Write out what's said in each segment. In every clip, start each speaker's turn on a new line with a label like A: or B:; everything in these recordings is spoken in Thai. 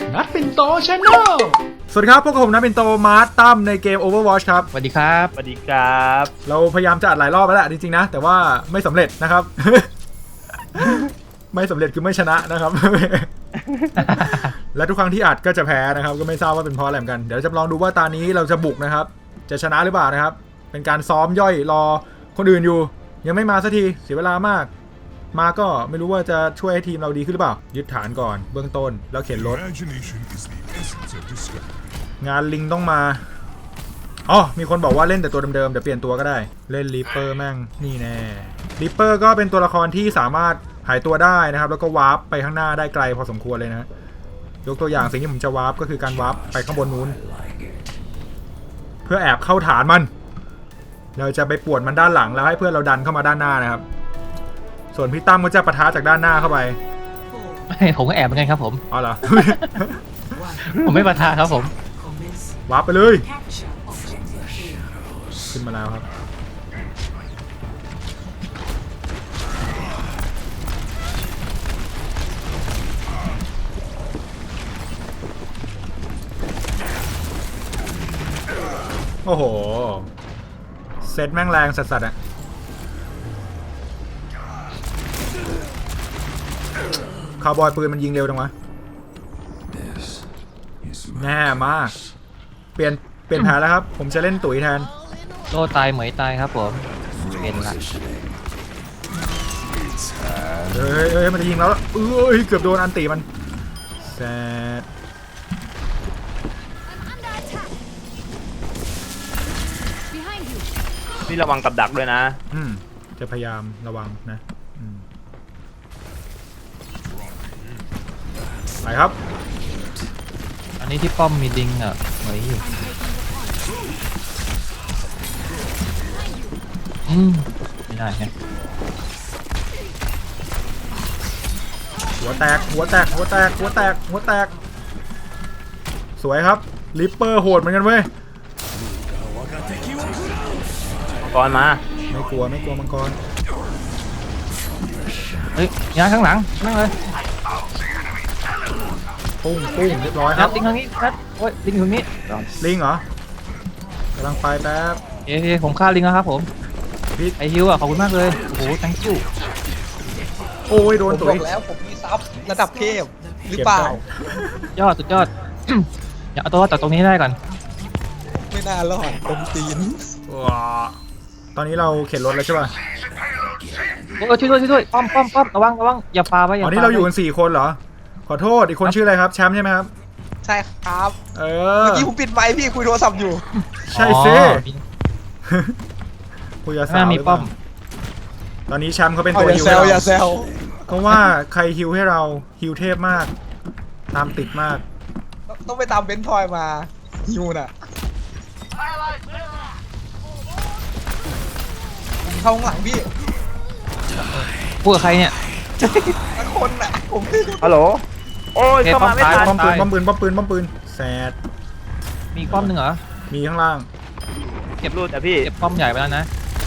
A: นัดปิ่นโตชาแนล
B: สวัสดีครับพวกผมนัดปิ่นโตมาร์ตตั้มในเกม Overwatch ครับ
C: สวัสดีครับ
D: สวัสดีครับ
B: เราพยายามจะอัดหลายรอบแล้วแหละจริงๆนะแต่ว่าไม่สำเร็จนะครับ ไม่สำเร็จคือไม่ชนะนะครับ และทุกครั้งที่อัดก็จะแพ้นะครับก็ไม่ทราบว่าเป็นเพราะอะไรเหมือนกันเดี๋ยวจะลองดูว่าตานี้เราจะบุกนะครับจะชนะหรือเปล่านะครับเป็นการซ้อมย่อยรอคนอื่นอยู่ยังไม่มาสักทีเสียเวลามากมาก็ไม่รู้ว่าจะช่วยให้ทีมเราดีขึ้นหรือเปล่ายึดฐานก่อนเบื้องต้นแล้วเข็นรถงานลิงต้องมาอ๋อมีคนบอกว่าเล่นแต่ตัวเดิมๆเดี๋ยวเปลี่ยนตัวก็ได้เล่นริปเปอร์แม่งนี่แน่ริปเปอร์ก็เป็นตัวละครที่สามารถหายตัวได้นะครับแล้วก็วาร์ปไปข้างหน้าได้ไกลพอสมควรเลยนะยกตัวอย่างสิ่งที่ผมจะวาร์ปก็คือการวาร์ปไปข้างบนนู้นเพื่อแอบเข้าฐานมันเราจะไปป่วนมันด้านหลังแล้วให้เพื่อนเราดันเข้ามาด้านหน้านะครับส่วนพี่ตั้มก็จะปะทะจากด้านหน้าเข้าไป
C: ผมก็แอบเหมือนกันครับผม
B: อ๋อเหรอ
C: ผมไม่ปะทะครับผม
B: วาร์ปไปเลยขึ้นมาแล้วครับโอ้โหเซตแม่งแรงสัสๆอะคาวบอยปืนมันยิงเร็วจังวะแน่มากเปลี่ยนแผนแล้วครับผมจะเล่นตุ๋ยแทน
C: โลตายเหมยตายครับผมเป็นละ
B: เฮ้ยมันจะยิงแล้วเอ้ยเกือบโดนอันตีมันแซด
D: นี่ระวังกับดักด้วยนะ
B: จะพยายามระวังนะไปครับ
C: อันนี้ที่ป้อมมีดิงอ่ะเหมยอยู่ไม่ได้ไง
B: หัวแตกสวยครับลิปเปอร์โหดเหมือนกันเว้ย
D: มังกรมา
B: ไม่กลัวมังกร
C: เฮ้ยยาข้างหลังนั่งเลย
B: ปุ้งเรียบร้อยครับ
C: ลิงทางนี้ครับโอ้ยลิงอยู่ตรงนี้
B: ลิงเหรอกำลังไปแป๊บ
C: เอ้ผมฆ่าลิงแล้วครับผมไอฮิวอ่ะขอบคุณมากเลยโอ้โห thank you
B: โอ้ยโดนตุ๋ย
E: แล้วผมมีซับระดับเทพหรือเปล่า
C: สุดยอด อย่าเอาตัวจากตรงนี้ได้ก่อน
E: ไม่น่ารอดตรงตีน
B: ว้าตอนนี้เราเข็นรถแล้วใช่ป่ะ
C: โอ้ช่วยป้อมระวังอย่าปาไป
B: ตอนนี้เราอยู่กัน4คนเหรอขอโทษอีกคนชื่ออะไรครับแชมป์ใช่ไหมครับ
E: ใช่ครับเมื่
B: อ
E: กี้ผมปิดไมค์พี่คุยโทรศัพท์อยู่
B: ใช่สิคุยกับสาว
C: มีป้อม
B: ตอนนี้แชมป์เขาเป็นตัวฮิว
E: อย่าแซว
B: เพราะว่าใครฮิวให้เราฮิวเทพมากตามติดมาก
E: ต้องไปตามเบนทอยมาฮิวน่ะเข้าข้างหลังพี่
C: พูดกับใครเนี่ย
E: คนน่ะผม
D: ฮัลโหลโอ้ยเข้ามาไม่ทัน
B: ป้อมปืนแซด
C: มีป้อมหนึ่งเหรอ
B: มีข้างล่าง
D: เก็บรูดแต่พี่
C: เก็บป้อมใหญ่ไปแล้วนะ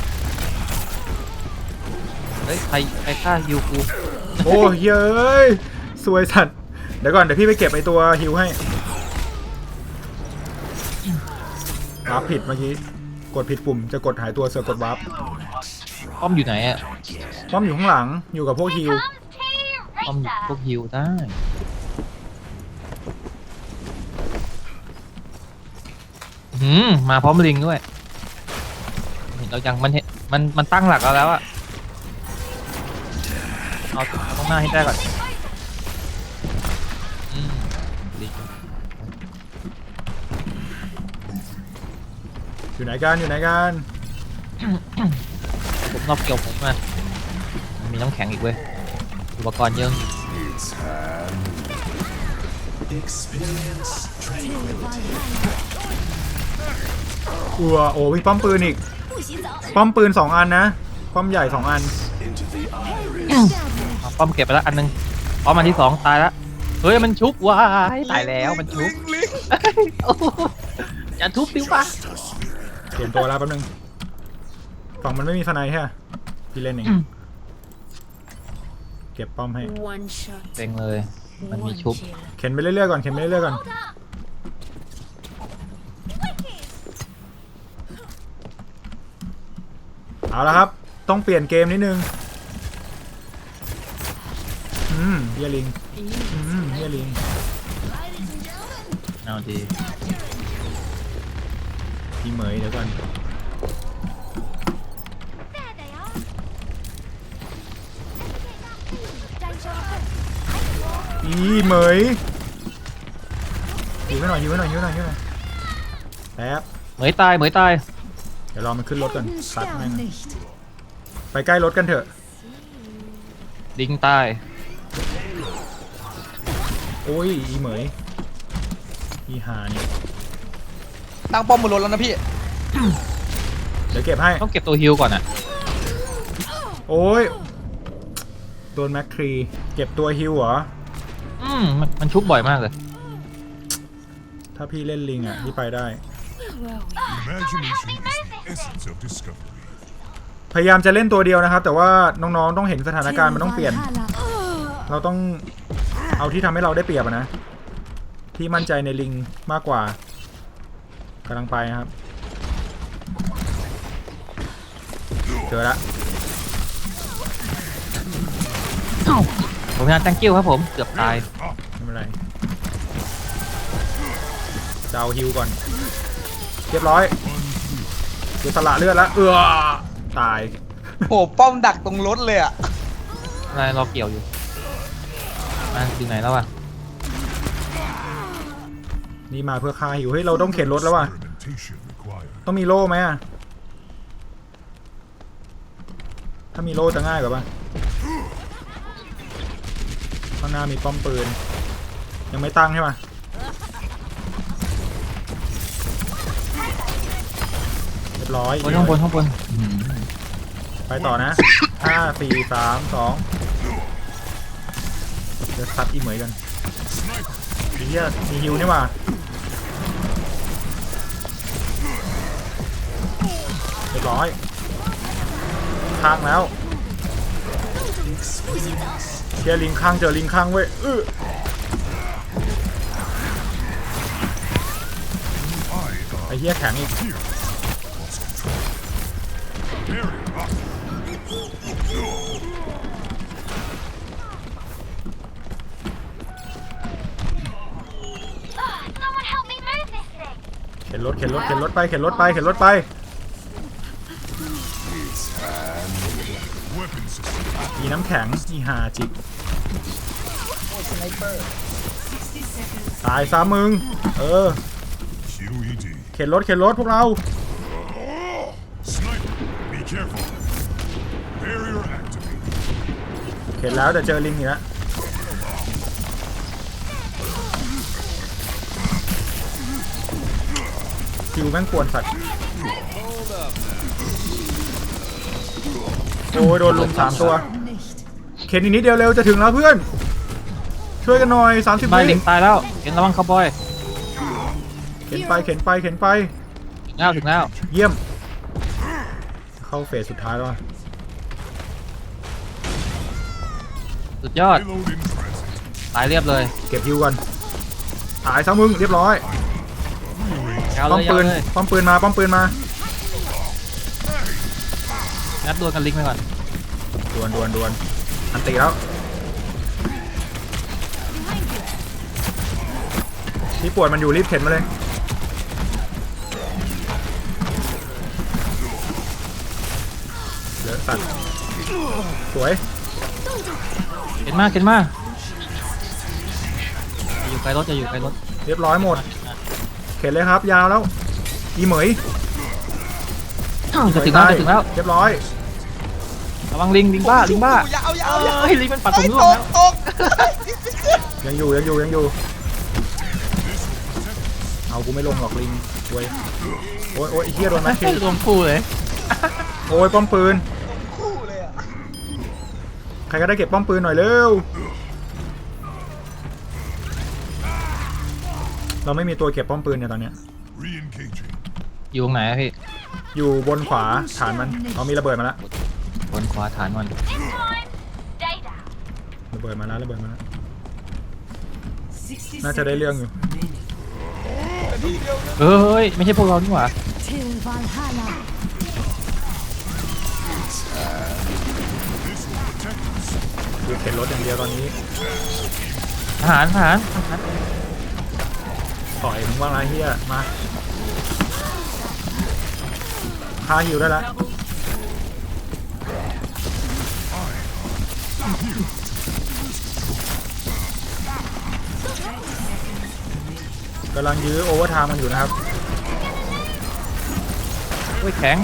C: เฮ้ยใครฆ่าฮิวกู
B: โอ้เย้ยสวยสัตว์เดี๋ยวก่อนเดี๋ยวพี่ไปเก็บไอตัวฮิวให้วาร์ปผิดเมื่อกี้กดผิดปุ่มจะกดหายตัวเสือกดวาร์ป
C: ป้อมอยู่ไหนอ่ะ
B: ป้อมอยู่ข้างหลังอยู่กับพวกฮิว
C: ป้อมพวกฮิวได้มาพร้อมลิงด้วยเรายังมันตั้งหลักแล้วอะเอาต้องหน้าให้ได้ก่อน
B: อยู่ไหนกัน
C: ผมรอบเกี่ยวผมมามีน้ำแข็งอีกเว้ยอุปกรณ์เยอะ
B: โอ้มีป้อมปืนอีกป้อมปืน2 อันนะป้อมใหญ่2 อัน
C: ป้อมเก็บไปแล้วอันนึงป้อมอันที่2ตายแล้วเฮ้ยมันชุบว้ายตายแล้วมันชุบอย่าทุบดิวะ
B: เปลี่ยนตัวแล้วแป๊บนึงฝั่งมันไม่มีสไนด์ใช่ไหมพี่เล่นเอง เก็บป้อมให้
C: เต็งเลยมันมีชุบ
B: เข็นไปเรื่อยๆก่อนเข็นไปเรื่อยๆก่อนเอาละครับต้องเปลี่ยนเกมนิดนึงเฮียลิงเฮียลิง
C: เอาดี
B: พี่เหมยเดี๋ยวก่อนอีเหมยหิวไว้หน่อยหิวไว้หน่อยหิวไว้หน่อยหิวไว้หน่อยแป๊บ
C: เหมยตายเหมยตาย
B: เดี๋ยวรอมันขึ้นรถก่อนตัดแม่งไปใกล้รถกันเถอะ
C: ลิงตาย
B: โอ้ยอีเหมยอีหาเนี่ย
E: ตั้งป้อมบนรถแล้วนะพี่
B: เดี๋ยวเก็บให้
C: ต้องเก็บตัวฮิลก่อนอ่ะ
B: โอ้ยโดนแม็กทรีเก็บตัวฮิวเหรอ
C: มันชุบบ่อยมากเลย
B: ถ้าพี่เล่นลิงอ่ะพี่ไปได้
A: Imagination is the essence of discovery.
B: พยายามจะเล่นตัวเดียวนะครับ แต่ว่าน้องๆต้องเห็นสถานการณ์มันต้องเปลี่ยน เราต้องเอาที่ทำให้เราได้เปรียบอะนะที่มั่นใจในลิงมากกว่ากำลังไปนะครับเจอละ
C: ผมงาน thank you ครับผมเกือบตาย
B: ไม่เป็นไรจะเอาฮิวก่อนเรียบร้อยดูสละเลือดแล้วตาย
E: โอ้ป้อมดักตรงรถเลยอ่ะ
C: อะไรรอเกี่ยวอยู่มาถึงไหนแล้ววะ
B: นี่มาเพื่อฆ่าฮิวเฮ้ยเราต้องเข็นรถแล้วว่ะ
A: Experimentation required.
B: ต้องมีโล่ไหมอะถ้ามีโล่จะง่ายกว่าปะข้างหน้ามีป้อมปืนยังไม่ตั้งใช่ปะเรียบร้อย
C: ข้างบน
B: ไปต่อนะ 5 4 3 2เดี๋ยวซัดอีเหมยกันเฮียมีฮิวนี่ว่ะเรียบร้อยข้างแล้วเชียร์ลิงข้างเจอลิงข้างเว้ยไอ้เฮียแข็งอีก เข็นรถไป
A: Weapon system.
B: อีน้ำแข็งอีหาจิกตายซะมึง
A: QED.
B: เข็นรถพวกเรา
A: Sniper. Be careful. Barrier activated.
B: เข็นแล้วแต่เจอลิงอีกแล้วคิวแม่งกวนสัตว์โอ้ยโดนลุม3 ตัวเข็นอีกนิดเดียวเร็วจะถึงแล้วเพื่อนช่วยกันหน่อย30
C: มา
B: วิ
C: ลิงตายแล้วเห็นระวังคาวบอย
B: เข็นไป
C: ถึงแล้ว
B: เยี่ยมเข้าเฟสสุดท้ายแล้ว
C: สุดยอด
A: Payload in transit.
C: ตายเรียบเลย
B: เก็บฮิวก่อนตายซะมึงเรียบร้อย
C: ยาว
B: ป้อ
C: เล
B: ม
C: ย
B: ปืน ป้อมปืนมา
C: งัดดวลกันลิงไปก่อน
B: ดวนอันตีแล้วที่ปวดมันอยู่รีบเข็นมาเลยเหลือสัตว์สวย
C: เห็นมากอยู่ไกลรถจะอยู่ไกลรถ
B: เรียบร้อยหมดเข็นเลยครับยาวแล้วอีเหมย
C: จะถึงแล้ว
B: เรียบร้อย
C: ระวังลิงบ้าย
E: าว
C: เฮ้ยลิงมันปัดผมร่วงแล้ว
E: ตก
B: ยังอยู่เอากูไม่ลงหรอกลิงเว้ยโอ้ยไอ้เหี้ยโดนแม็กคิว
C: รวมคู่เลย
B: โอ้ยป้อมปืน
E: คู่เลยอ่ะ
B: ใครก็ได้เก็บป้อมปืนหน่อยเร็วเราไม่มีตัวเก็บป้อมปืนเนี่ยตอนเนี้ย
A: Re-engaging.
C: อยู่ตรงไหนอะพี่
B: อยู่บนขวาฐานมันเอามีระเบิดมาแล้ว
C: บนขวาฐานมัน
B: ระเบิดมาแล้วน่าจะได้เรื่องอยู่
C: เฮ้ยไม่ใช่พวกเรานี่หว่า
F: Till Valhalla.
B: คือเข็นรถอย่างเดียวตอนนี้
C: ทหารทหาร
B: ต่อยมึงว่างไรเฮียมาพาหิวได้แล้วกำลังยื้อโอเวอร์ไทม์มันอยู่นะครับ
C: โอ้ยแข็ง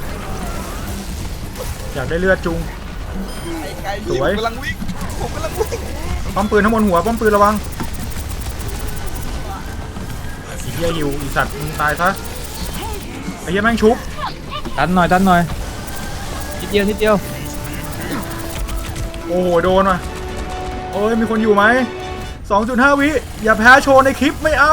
B: อยากได้เลือดจุง
E: ไกลๆ
B: ส
E: พี่
B: วย
E: ผมกำลังวิ่งผมกำลังวิ่ง
B: ป้อมปืนทั้งบนหัวป้อมปืนระวังไอ้เหี้ยหิวอีสัตว์มึงตายซะไอ้เหี้ยแม่งชุบ
C: ดันหน่อยดันหน่อยนิดเดียวนิดเดียว
B: โอ้โหโดนว่ะโอ้ยมีคนอยู่ไหม 2.5 วิอย่าแพ้โชว์ในคลิปไม่เอา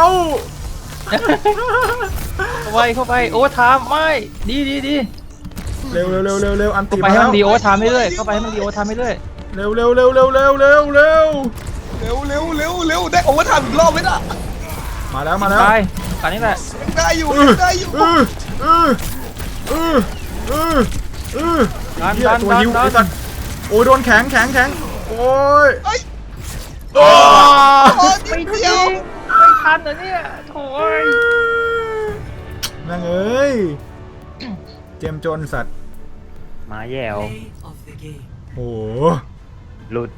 C: เข้าไปเข้าไปโอ้ทามไม่ดีดีดี
B: เร็วเร็วเร็วเร็วเร็วอัน
C: เข้า
B: ติ
C: ไป
B: มา
C: ให้
B: แล้
C: มั
B: วน
C: ดีโอทามเรื่อยๆเข้าไปให้มันดีโอทามเรื่อย
B: เร็วเร็วเร็วเร็วเร็วเร็วเร็ว
E: เร็วเร็วเร็วเร็วได้โอเวอร์ไทม์อีกรอบไหมน่ะ
B: มาแล้วมา
C: ๆ
B: แล้ว
C: ไปกันนี่แหละ
E: ยังได้อยู่
B: เอ
E: ยั
B: อง
E: ได้อยู่
B: เออเออเออเออเออ
C: ดัน
B: เหี้ย
C: ดัน
B: ตัว
C: ดัน
B: หิว
C: ดั
B: ไอ้
C: น
B: สัตว์โอ้ยโดนแข็งแข็งแข็งโอ้ย
E: เอ้ย
B: โอ้
E: โอ้ยนิดเดียว
C: ไม่ทันเหรอเนี่ยโถ่เอ้ย
B: แม่งเอ้ยเจมจนสัตว์
D: มาแย่ว
B: โอ้โห
D: หลุด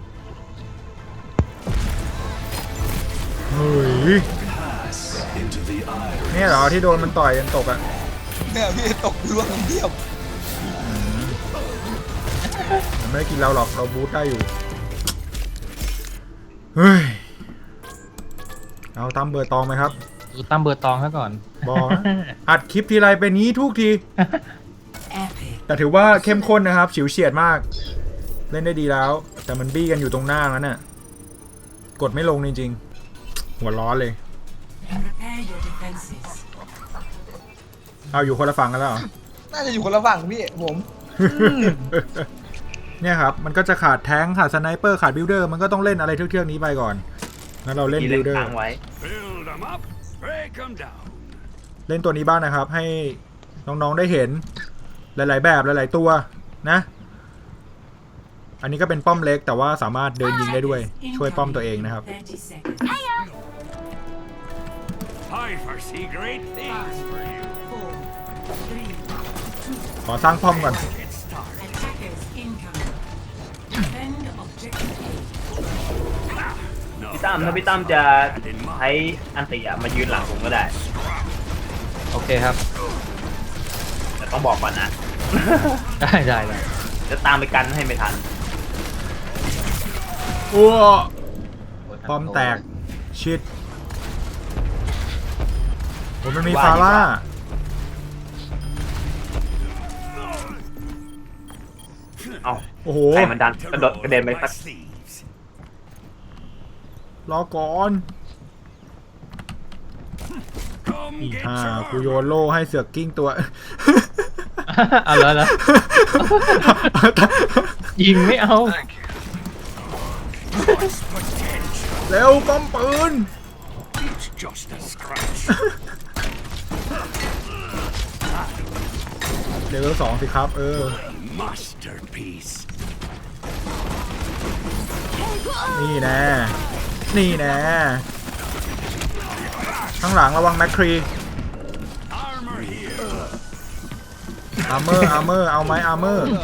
B: เฮ้ยเนี่ยเหรอที่โดนมันต่อยจนตกอ่ะ
E: เนี่ยพี่ตกล่วงเดียว
B: มันไม่ได้กินเราหรอกเราบูทได้อยู่เฮ้ยเอาตามเบอร์ตองไหมครับ
C: ดูตั้มเบอร์ตองซะก่อน
B: บอกนะอัดคลิปทีไรเป็นนี้ทุกที แต่ถือว่าเข้มข้นนะครับฉิวเฉียดมาก เล่นได้ดีแล้ว แต่มันบี้กันอยู่ตรงหน้านั้นน่ะกดไม่ลงจริงๆหัวร้อนเลย เอาอยู่คนละฝั่งกันแล้วเหรอ
E: น่าจะอยู่คนละฝั่งพี่ผม
B: เนี่ยครับมันก็จะขาดแท้งขาดสไนเปอร์ขาดบิลเดอร์มันก็ต้องเล่นอะไรเทือกๆนี้ไปก่อนงั้นเราเล่น
D: ที่
B: บิ
D: เล่
B: ล
D: น
B: เดอร์
D: ค้างไว้
A: Build them up, break them down.
B: เล่นตัวนี้บ้างนะครับ ให้น้องๆได้เห็นหลายๆแบบหลายๆตัวนะ อันนี้ก็เป็นป้อมเล็กแต่ว่าสามารถเดินยิงได้ด้วยช่วยป้อมตัวเองนะครับ
A: I foresee great things for you.
B: ขอสร้างป้อมก่อน
A: Get started.
D: พี่ตั้มถ้าพี่ตั้มจะใช้อันติอะมายืนหลังผมก็ได้
C: โอเคครับ
D: แต่ต้องบอกก่อนนะ
C: ได้ได้ได้
D: จะตามไปกันให้ไม่ทัน
B: อ้วป้อมแตกชิดผมมันมีฟาร่า
D: เอ้า
B: โอ้โห
D: ใครมันดันกระโดดกระเด็นไปสัก
A: Thieves.
B: รอก่อน
A: Come
B: อี
A: get
B: ห่า
A: your
B: กูโยนโล่ให้เสือกกิ้งตัว
C: เอาแล้วแล้วยิงไม่เอา
B: เร็วป้อมปืน
A: It's just a scratch.
B: เลเวล2สิครับ
A: Masterpiece.
B: นี่แน่นี่แน่ข้างหลังระวังแมคครี
A: Armor here.
B: อาร์เมอร์เอาไหมอาร์เมอร์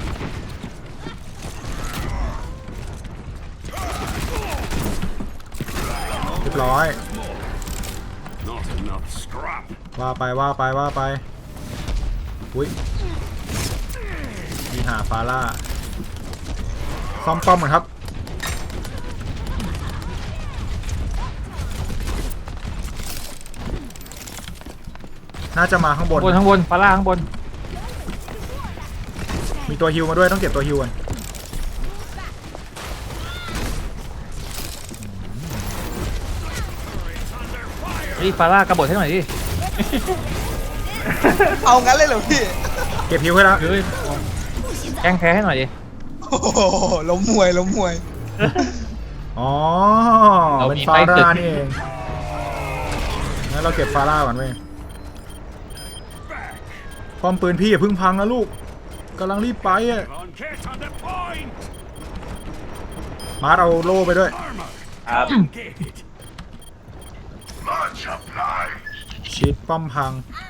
B: เรียบร้อย
A: Not enough scrap.
B: ว่าไปอุ้ยมีหาฟาร่าซ่อมป้อมก่อนครับน่าจะมาข้างบน
C: ข้างบนฟาร่าข้างบน
B: มีตัวฮิวมาด้วยต้องเก็บตัวฮิวก่อน
C: รีฟาร่ากระโดดให้หน่อยดิ
E: เอางั้นเลยเหรอพี่
B: เก็บฮิวให้แล้ว
C: เฮ้ยแกล้งแพ้ให้หน่อยดิ
E: โอ้โหล้มมวย
B: อ๋อ
C: เรา
B: เป็น
C: มี
B: ฟา
C: ไฟตึ
B: ร่าก นี่เองงั้นเราเก็บฟาร่าก่อนเว้ยป้อมปืนพี่อย่าเพิ่งพังนะลูกกำลังรีบไปอ่ะ
A: On get on the point.
B: มาร์ทเอาโล่ไปด้วย
A: Armor.
D: ครับ
A: Get it. Much obliged.
B: ชิดป้อมพัง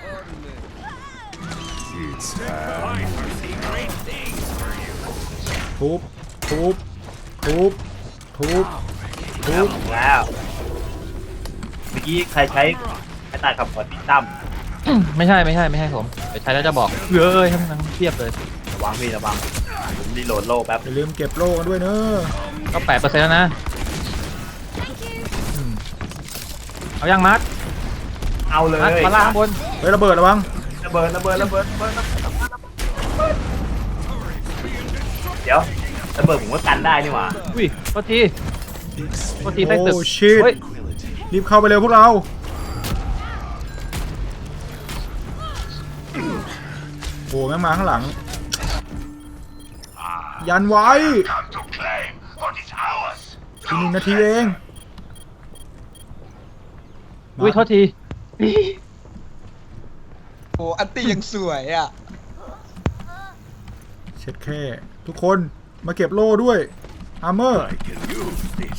A: It's I foresee great things for you.
B: ทุบทุบทุบทุบทุบ
D: แล้วเมื่อกี้ใครใช้ตัดขับหัวพี่ตั้ม
C: ไม่ใช่ผมไปใช้แล้วจะบอกเอ้ยทั้งนั้นเทียบเลย
D: ระวังพี่ระวังผมรีโหลดโล่แป๊บ
B: อย่าลืมเก็บโล่กันด้วยเนอะ
C: ก็8%แล้วนะ
B: อืม
C: เอายังมัด
D: เอาเลย
C: มัดมาล่างข้างบน
B: เฮ้ยระเบิดระวัง
D: ระเบิดเดี๋ยวระเบิดผมก็กันได้นี่หว่า
C: อุ้ยโทษทีใต้ตึก
B: โอ้ชิด
C: เฮ้ย
B: รีบเข้าไปเร็วพวกเราโอ้แม่งมาข้างหลัง ยันไว้
A: Time to claim what is ours.
B: อีก1 นาทีเอง
C: อุ้ยโทษที
E: โอ้อันตียังสวยอ่ะ
B: เช็ดแค่ทุกคนมาเก็บโล่ด้วยอาร์เมอร์
A: I can use this.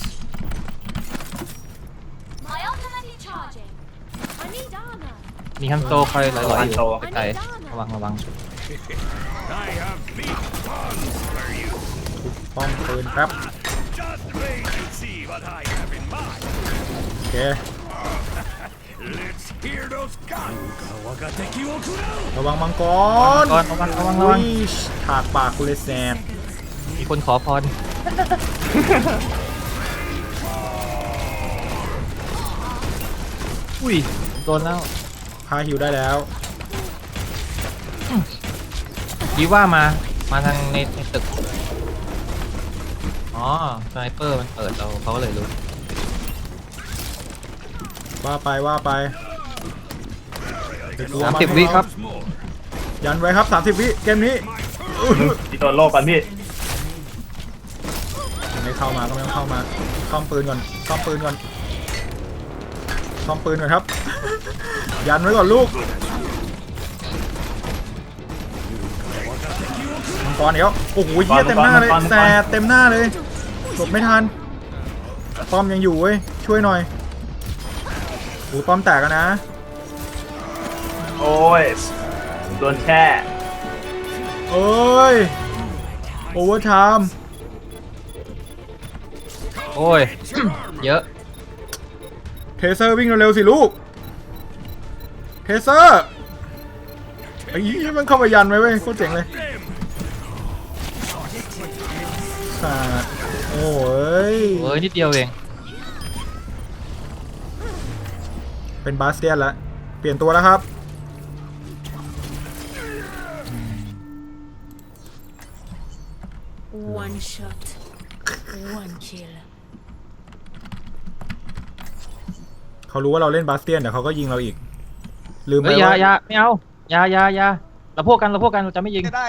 F: My ultimate is charging. I need armor.
C: มีฮันโตคอยลอยๆอยู่ไกลๆระวัง
A: I have big guns for you.
B: ป้องปืนครับ
A: Just wait and see what I have in mind.
B: โอเค
A: Let's hear those guns.
B: ระวังมังกร
C: ก่อนระวัง
B: อุ้ยถากปากกูเลยแสบ
C: มีคนขอพรอุ้ยโดนแล้ว
B: พาหิวได้แล้ว
C: ยีว่ามาทางในตึกอ๋อสไนเปอร์มันเปิดเขาก็เลยรู้
B: ว่าไปเดี๋ยวกลัวมัน
C: 30 วิครับ
B: ยันไว้ครับ30 วิเกมนี้
D: พี่ตัวโล่ก่อนพี่
B: ไม่เข้ามาก็ไม่ต้องเข้ามาซ่อมปืนก่อนครับ ยันไว้ก่อนลูกมังกรเดี๋ยวโอ้โหเหี้ยเต็มหน้าเลยแสบเต็มหน้าเลยหลบไม่ทันป้อมยังอยู่เว้ยช่วยหน่อยโอ้ป้อมแตกแล้วนะ
D: โอ้ยโดนแช่
B: เอ้ยโอเวอร์ไทม์
C: โอ้ย เยอะ
B: เทเซอร์วิ่งเร็วๆสิลูกเทเซอร์ไอ้ยี่มันเข้ามายันไว้เว้ยโคตรเจ๋งเลยสัตว์โอ้ย
C: เอ้ยนิดเดียวเอง
B: เป็นบาสเตียนแล้วเปลี่ยนตัวแล้วครับ
F: One shot. One kill.
B: เขารู้ว่าเราเล่นบาสเตียนแต่เขาก็ยิงเราอีก ลืมไป
C: เฮ้ย
B: ว่า
C: อย่าไม่เอาอย่าเราพวกกันเราจะไม่ยิง
E: ได้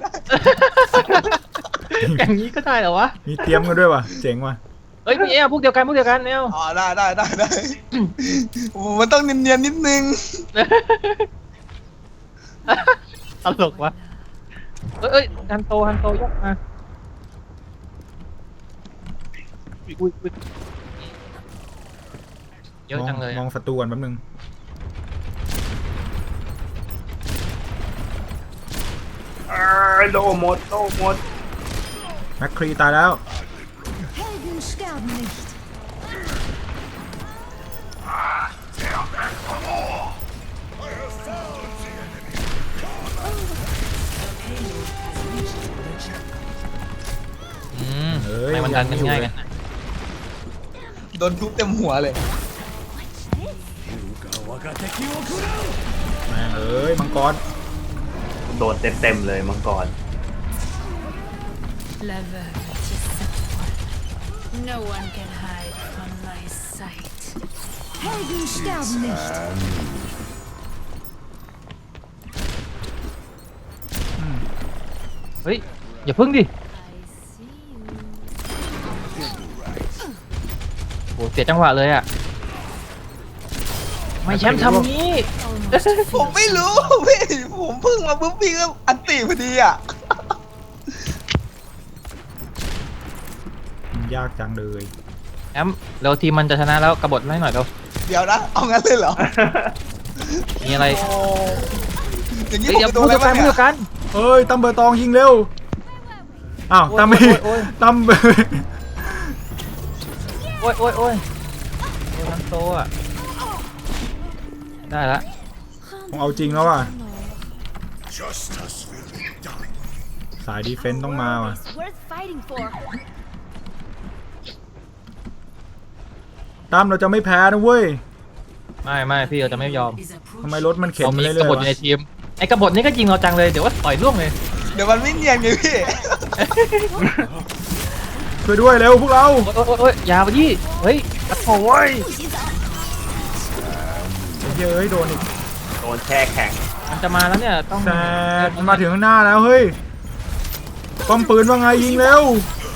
C: อย่างนี้ก็ได้เหรอวะ
B: มีเตรียมกันด้วยว่ะเจ๋งว่ะ
C: เอ้ยไม่เอาพวกเดียวกันไม่เอา
E: อ๋อได้โอ้มันต้องเนียนๆนิดนึง
C: ตลกวะเอ้ยฮันโตยกมาอุ้ยเยอะจังเลย
B: มองศัตรูก่อนแป๊บนึง
D: โล่หมด
B: แมคครีตายแล้ว
F: Helden sterben nicht.
C: ทำไมมันดันกันง่ายกันนะ
E: โดนทุบเต็มหัวเลย
B: แม่งเอ้ยมังกร
D: โดนเต็มเลยมังกร
F: La veuve is simple. No one can hide from my sight. Helden sterben nicht.
C: เฮ้ยอย่าพึ่งดิ
F: I see you.
C: เสียจังหวะเลยอ่ะไม่แชมป์ทำงี้
E: ผมไม่รู้พี่ผมเพิ่งมาปุ๊บพี่ก็อันติพอดีอ่ะ
B: มันยากจังเลย
C: แชมป์เร็วทีมมันจะชนะแล้วกบฏให้หน่อยเร็ว
E: เดี๋ยวนะเอางั้นเลยเหรอ
C: มีอะไร
E: โอ้อย่างนี้
C: เฮ้ย
E: ผม
C: เดี๋ยว
E: จะโด
C: พู
E: น
C: ด
E: อะไร
C: กัน
E: บ้าง
C: พูด
E: เนี่ย
C: กัน
B: เอ้ยตั้มเบอร์ตองยิงเร็วอ้าว
C: โอ้ย
B: ตั้มไม่
C: โอ้ย
B: ตั้ม
C: โอ้ยโอ้ยโอ้ยโอ้ยทั้งโตอ่ะได้ละ
B: ผมเอาจริงแล้วว่ะ
A: Justice will be done.
B: สายดีเฟนต์ต้องมาว่ะ
F: worth fighting for.
B: ตั้มเราจะไม่แพ้นะเว้ย
C: ไม่พี่เราจะไม่ยอม
B: ทำไมรถมันเข็น
C: เรา
B: มา
C: มี
B: เรื่
C: ก
B: อย
C: บฏ
B: ๆ
C: อยู่
B: วะ
C: ในทีมไอ้กบฏนี่ก็ยิงเราจังเลยเดี๋ยวว่าต่อยล่วงเลย
E: เดี๋ยวมันไม่เนียนไงพี่
B: ช่วยด้วยเร็วพวกเรา
C: โอ้ยอยาไปยี่เฮ้ยกระโถย
B: ไอ้เหี้ยเอ้ยโดนอีก
D: โดนแช่แข็ง
C: มันจะมาแล้วเนี่ยต้อง
B: แซดมันมาถึงข้างหน้าแล้วเฮ้ยป้อมปืนว่าไงยิงเร็ว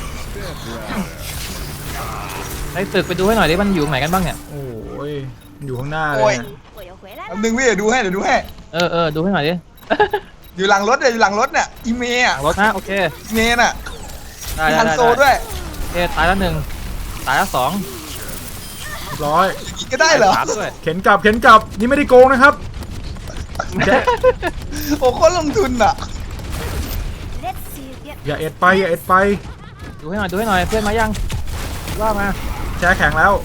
C: ไอ้ตึกไปดูให้หน่อยดิมันอยู่ไหนกันบ้างเนี่ย
B: โอ้ยมันอยู่ข้างหน้าเล
E: โอ้
B: ย
E: ย
B: เนี่ย
E: แป๊บนึงพี่เดี๋ยวดูให้
C: ดูให้หน่อยดิ
E: อยู่หลังรถเนี่ยอยู่หลังรถเนี่ยอีเมย์อ่ะ
C: รถนะโอเค
E: อีเมย์น่ะ
C: ได้
E: มี
C: ได้
E: ฮัน
C: ได้
E: โซด้วย
C: โอเคตายแล้ว1ตายแล้ว2
B: เรียบร้อย
E: อย่างนี้ก็ได้เหรอ
C: 3ด้วย
B: เข็นกลับนี่ไม่ได้โกงนะครับแจ๊ะ
E: โอ้โคตรลงทุนอ่ะ
F: Let's see you get
B: อย่าเอ็ดไปอย่าเอ็ดไป
C: ดูให้หน่อยเพื่อนมายังว่ามา
B: แช่แข็งแล้ว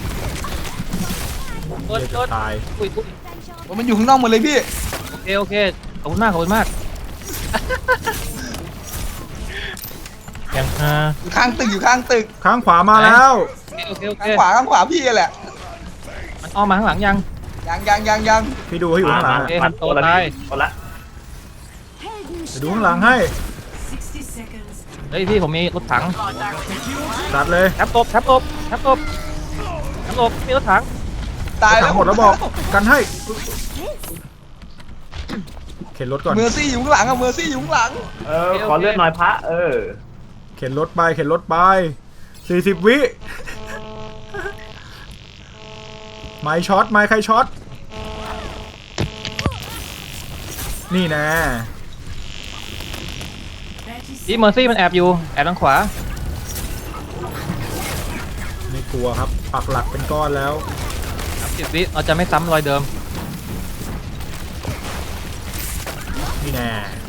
C: โดน
B: เดี๋ยว
C: โด
B: จะ
C: น
B: ตาย
C: อุ้ย
E: โอ้มันอยู่ข้างนอกหมดเลยพี่
C: โอเคขอบคุณมากยัง
E: อยู่ข้างตึกอยู่ข้างตึก
B: ข้างขวามาแล้ว
C: โอเค
E: ข้างขวาพี่แหละ
C: มันอ้อมมาข้างหลังยัง
E: ยัง
B: พี่ดูให้อยู่ข้างหลัง
C: โอเค
D: มันโตแล้ว
C: ตาย
D: พี่โตละ
B: ไปดูข้างหลังให้
C: เฮ้ยพี่ผมมีรถถัง
B: ตัดเลย
C: แทบตบมีรถถัง
E: ตายแล้
B: ทั้
E: ว
B: งหมดแล้วบอกกันให้เข็นรถก่อน
E: เมอร์ซี่อยู่ข้างหลังอะเมอร์ซี่อยู่ข้างหลัง
D: ขอเลือดหน่อยพระ
B: เข็นรถไป40 วิไม้ช็อตไม้ใครช็อตนี่แน่
C: ที่เมอร์ซี่มันแอบอยู่แอบทางขวา
B: ไม่กลัวครับปักหลักเป็นก้อนแล้ว
C: 30 วิเราจะไม่ซ้ำรอยเดิม
B: นี่แน่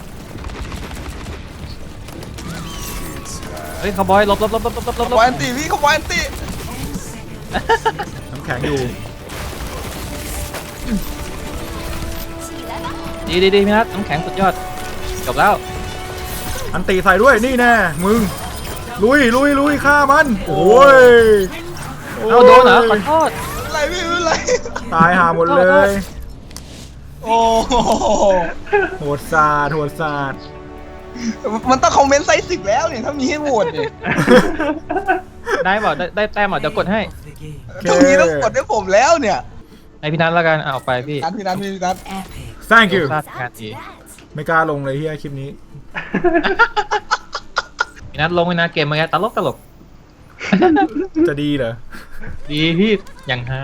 C: เฮ้ยคาวบอยหลบ
E: ขบอยอันติพี่ขบอยอันติ
B: น้ำแข็งอยู่
C: ดีพี่นัทน้ำแข็งสุดยอดจบแล้ว
B: อันตีใส่ด้วยนี่แน่มึงลุยฆ่ามันโอ้ย
C: เอาโดนเหรอขอโทษ
E: อะไรพี่ไม่เป็นไร
B: ตายหาหมดเลย
E: โอ้โห
B: โหดสาด
E: มันต้องคอมเมนต์ไซส์10แล้วเนี่ยถ้ามีให้โหวตเนี่ย
C: ได้เปล่าได้แต้มเปล่าเดี๋ยวกดให้
E: ต้องมีต้องกดให้ผมแล้วเนี่ย
C: ให้พี่นัทแล้วกันเอาไปพี่
E: พี่นัท
B: thank you
C: พลาดงานดี
B: ไม่กล้าลงเลยเฮียคลิปนี้
C: พี่นัทลงไปนะเกมเมื่อกี้ตลก
B: จะดีเหรอ
C: ดีพี่อย่างฮา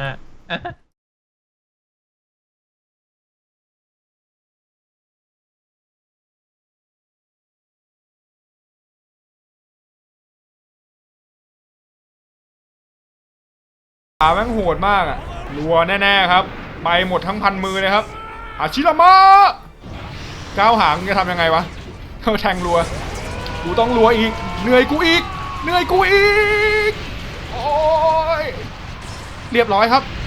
B: แม่งโหดมากอ่ะรัวแน่ๆครับไปหมดทั้งพันมือเลยครับอาชิรามะก้าวหางจะทำยังไงวะเขาแทงรัวกูต้องรัวอีกเหนื่อยกูอีกโอ้ยเรียบร้อยครับ